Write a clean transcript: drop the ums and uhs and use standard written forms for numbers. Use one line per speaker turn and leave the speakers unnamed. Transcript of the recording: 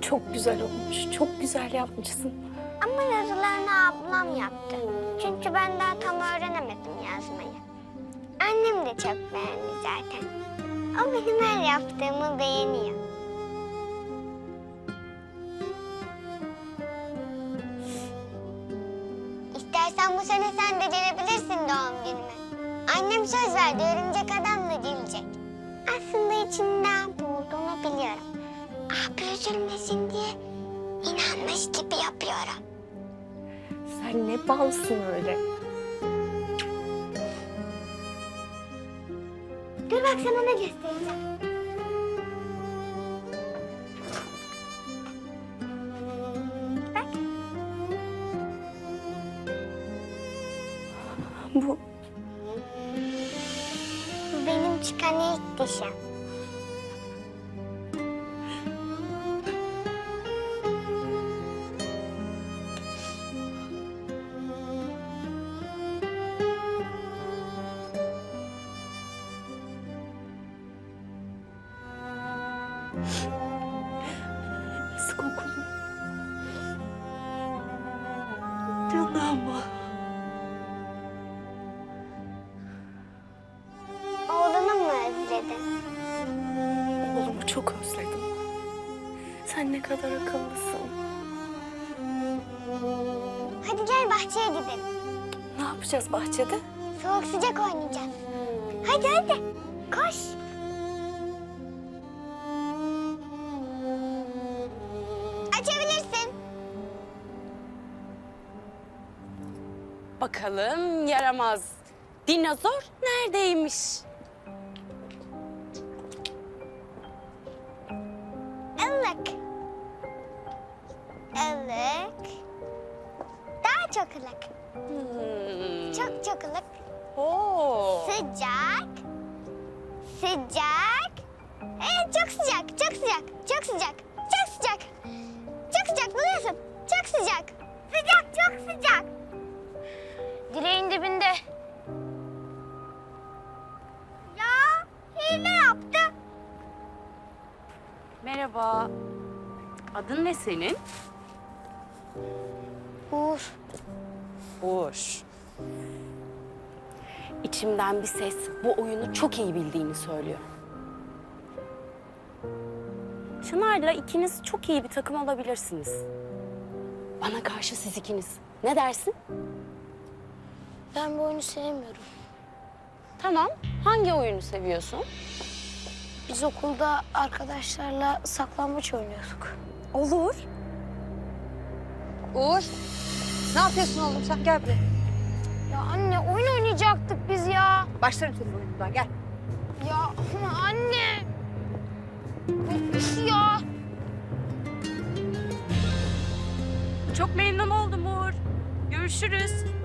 Çok güzel olmuş. Çok güzel yapmışsın.
Ama yazılarını ablam yaptı. Çünkü ben daha tam öğrenemedim yazmayı. Annem de çok beğendi zaten. O benim her yaptığımı beğeniyor. İstersen bu sene sen de gelebilirsin doğum günüme. Annem söz verdi, örümcek adamla gelecek. Aslında içinden bu olduğunu biliyorum. Abi üzülmesin diye inanmış gibi yapıyorum.
Sen ne balsın öyle.
Dur bak sana ne göstereceğim. Bak.
Bu
Bu benim çıkan ilk dişim.
nasıl kokulu. Canım.
Oğlunu mu özledin?
Oğlumu çok özledim. Sen ne kadar akıllısın.
Hadi gel bahçeye gidelim.
Ne yapacağız bahçede?
Soğuk sıcak oynayacağız. Hadi hadi. Koş. Açabilirsin.
Bakalım yaramaz. Dinozor neredeymiş?
Ilık. Ilık. Daha çok ılık. Çok çok ılık.
Oo.
Sıcak. Sıcak. Evet çok sıcak. Çok sıcak. Çok sıcak. Çok sıcak. Çok sıcak biliyorsun. Çok sıcak. Sıcak çok sıcak. Direğin dibinde. Ya hile yaptı.
Merhaba. Adın ne senin?
Uğur.
Uğur. İçimden bir ses bu oyunu çok iyi bildiğini söylüyor. Çınar'la ikiniz çok iyi bir takım olabilirsiniz. Bana karşı siz ikiniz. Ne dersin?
Ben bu oyunu sevmiyorum.
Tamam. Hangi oyunu seviyorsun?
Biz okulda arkadaşlarla saklambaç oynuyorduk.
Olur.
Uğur, ne yapıyorsun oğlum sen? Gel buraya.
Ya anne oyun oynayacaktık biz ya.
Başlarım senin oyunundan, gel.
Ya ama anne. Üf ya.
Çok memnun oldum Uğur. Görüşürüz.